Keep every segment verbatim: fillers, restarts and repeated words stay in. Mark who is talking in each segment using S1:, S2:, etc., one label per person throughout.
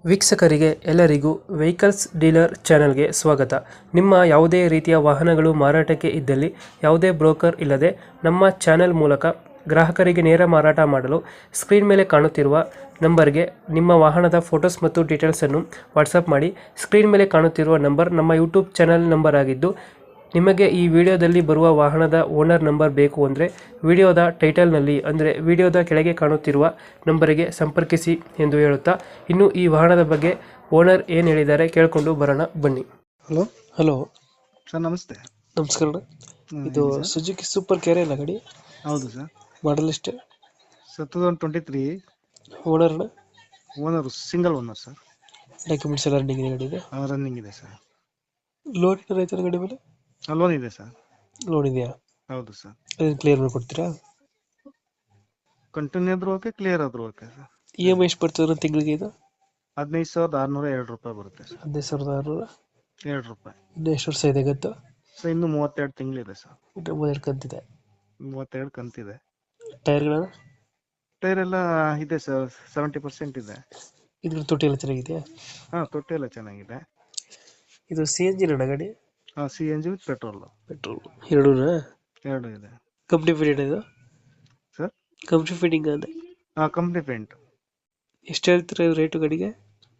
S1: ವೀಕ್ಷಕರಿಗೆ ಎಲ್ಲರಿಗೂ vehicles dealer ಚಾನೆಲ್ಗೆ ಸ್ವಾಗತ. ನಿಮ್ಮ ಯಾವುದೇ ರೀತಿಯ ವಾಹನಗಳು ಮಾರಾಟಕ್ಕೆ ಇದ್ದಲ್ಲಿ ಯಾವುದೇ ಬ್ರೋಕರ್ ಇಲ್ಲದೆ ನಮ್ಮ ಚಾನೆಲ್ ಮೂಲಕ ಗ್ರಾಹಕರಿಗೆ ನೇರ ಮಾರಾಟ ಮಾಡಲು ಸ್ಕ್ರೀನ್ ಮೇಲೆ ಕಾಣುತ್ತಿರುವ ನಂಬರ್ಗೆ ನಿಮ್ಮ ವಾಹನದ ಫೋಟೋಸ್ ಮತ್ತು ಡೀಟೇಲ್ಸನ್ನು ವಾಟ್ಸಪ್ ಮಾಡಿ. ಸ್ಕ್ರೀನ್ ಮೇಲೆ ಕಾಣುತ್ತಿರುವ ನಂಬರ್ ನಮ್ಮ ಯೂಟ್ಯೂಬ್ ಚಾನೆಲ್ ನಂಬರ್ ಆಗಿದ್ದು, ನಿಮಗೆ ಈ ವಿಡಿಯೋದಲ್ಲಿ ಬರುವ ವಾಹನದ ಓನರ್ ನಂಬರ್ ಬೇಕು ಅಂದರೆ ವಿಡಿಯೋದ ಟೈಟಲ್ನಲ್ಲಿ ಅಂದರೆ ವಿಡಿಯೋದ ಕೆಳಗೆ ಕಾಣುತ್ತಿರುವ ನಂಬರಿಗೆ ಸಂಪರ್ಕಿಸಿ ಎಂದು ಹೇಳುತ್ತಾ, ಇನ್ನು ಈ ವಾಹನದ ಬಗ್ಗೆ ಓನರ್ ಏನು ಹೇಳಿದ್ದಾರೆ ಕೇಳಿಕೊಂಡು ಬರೋಣ ಬನ್ನಿ.
S2: ಹಲೋ
S1: ಹಲೋ
S2: ಸರ್, ನಮಸ್ತೆ.
S1: ನಮಸ್ಕಾರ.
S2: ಹ್ಮ್,
S1: ಇದು
S2: ಹೇಳಿ ಸರ್.
S1: ಸುಜುಕಿ ಸೂಪರ್ ಕ್ಯಾರೆ ಅಲ್ಲ ಗಾಡಿ?
S2: ಹೌದು ಸರ್.
S1: ಮಾಡಲ್ ಎಷ್ಟು?
S2: Sir two thousand twenty three
S1: ಓನರ್ನ
S2: owner single owner sir.
S1: Documents ಎಲ್ಲ ರನ್ನಿಂಗ್ ಇದೆ ಗಾಡಿಗೆ?
S2: ರನ್ನಿಂಗ್ ಇದೆ ಸರ್.
S1: ಲೋನ್ ಏನಾರ ಆಯ್ತಾರ ಗಾಡಿ ಮೇಲೆ?
S2: ಲೋನ್ ಇದೆ ಸರ್.
S1: ಲೋನ್ ಇದೆಯಾ?
S2: ಹೌದು ಸರ್.
S1: ಅದನ್ನು ಕ್ಲಿಯರ್ ಮಾಡಿಕೊಡ್ತೀರಾ?
S2: ಕಂಟಿನ್ಯೂ ಆದ್ರೂ ಓಕೆ, ಕ್ಲಿಯರ್ ಆದ್ರೂ okay sir.
S1: E M I ಎಷ್ಟು ಬರ್ತದೆ ತಿಂಗಳಿಗೆ? ಇದು
S2: ಹದಿನೈದು ಸಾವಿರದ ಆರುನೂರ ಎರಡು ರೂಪಾಯಿ ಬರುತ್ತೆ ಸರ್.
S1: ಹದಿನೈದು ಸಾವಿರದ ಆರುನೂರ
S2: ಎರಡು ರೂಪಾಯಿ.
S1: ಇನ್ನು ಎಷ್ಟು ವರ್ಷ ಇದೆ ಗೊತ್ತಾ?
S2: ಸರ್ ಇನ್ನು ಮೂವತ್ತೆರಡು ತಿಂಗಳಿದೆ ಸರ್.
S1: ಇನ್ನು ಮೂವತ್ತೆರಡು ಕಂತಿದೆ.
S2: ಮೂವತ್ತೆರಡು ಕಂತಿದೆ.
S1: ಟೈರ್ಗಳ
S2: ಟೈರ್ ಎಲ್ಲ ಇದೆ ಸರ್, ಸೆವೆಂಟಿ ಪರ್ಸೆಂಟ್ ಇದೆ.
S1: ಇದ್ರ ತೊಟ್ಟಿ ಎಲ್ಲ ಚೆನ್ನಾಗಿದೆಯಾ?
S2: ಹಾ, ತೊಟ್ಟಿ ಎಲ್ಲ ಚೆನ್ನಾಗಿದೆ.
S1: ಇದು ಸಿ ಎನ್ ಜಿ ನಡ ಗಾಡಿ?
S2: ಹಾ, C N G with petrol.
S1: Petrol ಎರಡೂ
S2: ಎರಡು ಇದೆ.
S1: ಕಂಪ್ನಿ ಫಿಟ್ಟಿಂಗ್ ಇದು?
S2: ಸರ್
S1: ಕಂಪ್ನಿ ಫಿಟ್ಟಿಂಗ್ ಅದೇ.
S2: ಹಾ, ಕಂಪ್ನಿ ಪೇಂಟ್.
S1: ಎಷ್ಟು ಹೇಳ್ತೀರಾ ರೇಟು ಗಾಡಿಗೆ?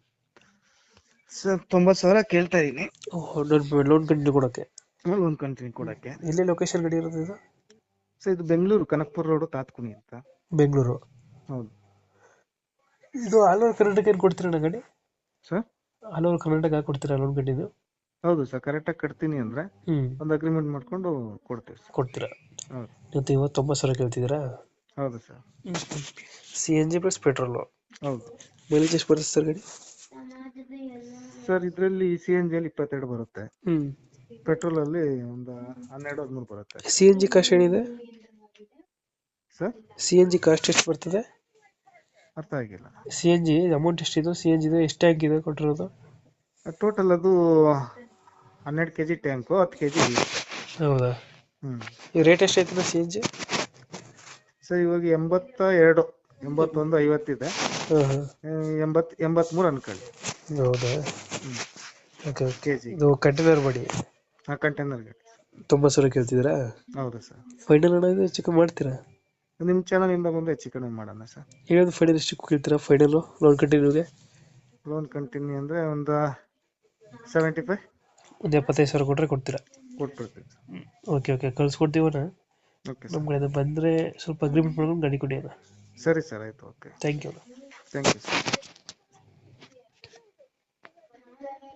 S2: ಸರ್ ತೊಂಬತ್ತು ಸಾವಿರ ಕೇಳ್ತಾ ಇದೀನಿ.
S1: ಲೋನ್ ಕಂಟಿನ್ಯೂ ಕೊಡೋಕ್ಕೆ?
S2: ಲೋನ್ ಕಂಟಿನ್ಯೂ ಕೊಡಕ್ಕೆ.
S1: ಎಲ್ಲಿ ಲೊಕೇಶನ್ ಗಾಡಿ ಇರೋದು ಇದು?
S2: ಸರ್ ಇದು ಬೆಂಗಳೂರು ಕನಕಪುರ ರೋಡ್, ತಾತ್ಕುಣಿ ಅಂತ.
S1: ಬೆಂಗಳೂರು.
S2: ಹೌದು.
S1: ಇದು ಆಲ್ ಓವರ್ ಕರ್ನಾಟಕ ಏನು ಕೊಡ್ತೀರಾ ಗಾಡಿ?
S2: ಸರ್
S1: ಆಲ್ ಓವರ್ ಕರ್ನಾಟಕ ಕೊಡ್ತೀರಾ ಲೋನ್ ಕಂಟಿನ್ಯೂ?
S2: ಹೌದು ಸರ್, ಕರೆಕ್ಟಾಗಿ ಕಟ್ತೀನಿ ಅಂದ್ರೆ
S1: ಹ್ಮ್
S2: ಒಂದು ಅಗ್ರಿಮೆಂಟ್ ಮಾಡ್ಕೊಂಡು ಕೊಡ್ತೀವಿ ಸರ್.
S1: ಕೊಡ್ತೀರಾ?
S2: ಹೌದು.
S1: ಇವತ್ತು ಇವತ್ತೊಂಬತ್ತು ಸಾವಿರ ಕೇಳ್ತಿದ್ದೀರಾ?
S2: ಹೌದು sir.
S1: C N G plus petrol.
S2: ಹೌದು.
S1: ಮೈಲೇಜ್ ಎಷ್ಟು ಬರುತ್ತೆ ಸರ್ ಗಾಡಿ?
S2: ಸರ್ ಇದರಲ್ಲಿ ಸಿ ಎನ್ ಜಿಯಲ್ಲಿ ಇಪ್ಪತ್ತೆರಡು ಬರುತ್ತೆ.
S1: ಹ್ಮ್
S2: ಪೆಟ್ರೋಲ್ ಅಲ್ಲಿ ಒಂದು ಹನ್ನೆರಡು ಹದಿಮೂರು ಬರುತ್ತೆ.
S1: ಸಿ ಎನ್ ಜಿ ಕಾಸ್ಟ್ ಏನಿದೆ
S2: sir
S1: C N G cost ಎಷ್ಟು ಬರ್ತದೆ?
S2: ಅರ್ಥ ಆಗಿಲ್ಲ.
S1: ಸಿ ಎನ್ ಜಿ ಅಮೌಂಟ್ ಎಷ್ಟಿದೆ? ಸಿ ಎನ್ ಜಿ ಎಷ್ಟು ಟ್ಯಾಂಕ್ ಇದೆ ಕೊಟ್ಟಿರೋದು?
S2: ಟೋಟಲ್ ಅದು ಹನ್ನೆರಡು ಕೆಜಿ ಟ್ಯಾಂಕು, ಹತ್ತು ಕೆಜಿ.
S1: ಹೌದಾ?
S2: ಹ್ಮ್
S1: ಈ ರೇಟ್ ಎಷ್ಟಾಯ್ತದ ಸಿ ಎನ್ ಜಿ?
S2: ಸರ್ ಇವಾಗ ಎಂಬತ್ತ ಎರಡು ಎಂಬತ್ತೊಂದು ಐವತ್ತಿದೆ.
S1: ಹಾಂ ಹಾಂ
S2: ಎಂಬತ್ ಎಂಬತ್ಮೂರು ಅನ್ಕೊಳ್ಳಿ.
S1: ಹೌದಾ?
S2: ಹ್ಮ್
S1: ಓಕೆ ಓಕೆ.
S2: ಕೆಜಿ.
S1: ಇದು ಕಂಟೈನರ್ ಮಾಡಿ
S2: ಹಾ, ಕಂಟೈನರ್ ಗಾಡಿ.
S1: ತೊಂಬತ್ತು ಸಾವಿರ ಕೇಳ್ತಿದ್ದೀರಾ?
S2: ಹೌದು ಸರ್.
S1: ಫೈನಲ್ ಅಣ್ಣ ಇದು ಚಿಕ್ಕ ಮಾಡ್ತೀರಾ?
S2: ನಿಮ್ಮ ಚಾನಲ್ ಇಂದ ಬಂದು ಹೆಚ್ಚು ಕಡಿಮೆ ಮಾಡೋಣ ಸರ್.
S1: ಹೇಳೋದು ಫೈನಲ್ ಎಷ್ಟು ಕೇಳ್ತೀರಾ? ಫೈನಲು ಲೋನ್ ಕಂಟಿನ್ಯೂಗೆ
S2: ಲೋನ್ ಕಂಟಿನ್ಯೂ ಅಂದ್ರೆ ಒಂದು ಸೆವೆಂಟಿ ಫೈವ್
S1: ಒಂದು ಎಪ್ಪತ್ತೈದು ಸಾವಿರ ಕೊಟ್ಟರೆ ಕೊಡ್ತೀರಾ?
S2: ಕೊಟ್ಬಿಡ್ತೀವಿ ಸರ್.
S1: ಓಕೆ ಓಕೆ, ಕಳ್ಸ್ಕೊಡ್ತೀವಣ್ಣ.
S2: ಓಕೆ
S1: ನಮ್ಮ
S2: ಸರ್.
S1: ಕಡೆಯಿಂದ ಬಂದರೆ ಸ್ವಲ್ಪ ಅಗ್ರಿಮೆಂಟ್ ಮಾಡ್ಕೊಂಡು ಗಾಡಿ ಕೊಡಿ ಅಣ್ಣ.
S2: ಸರಿ ಸರ್, ಆಯಿತು. Okay,
S1: thank you.
S2: Thank you sir.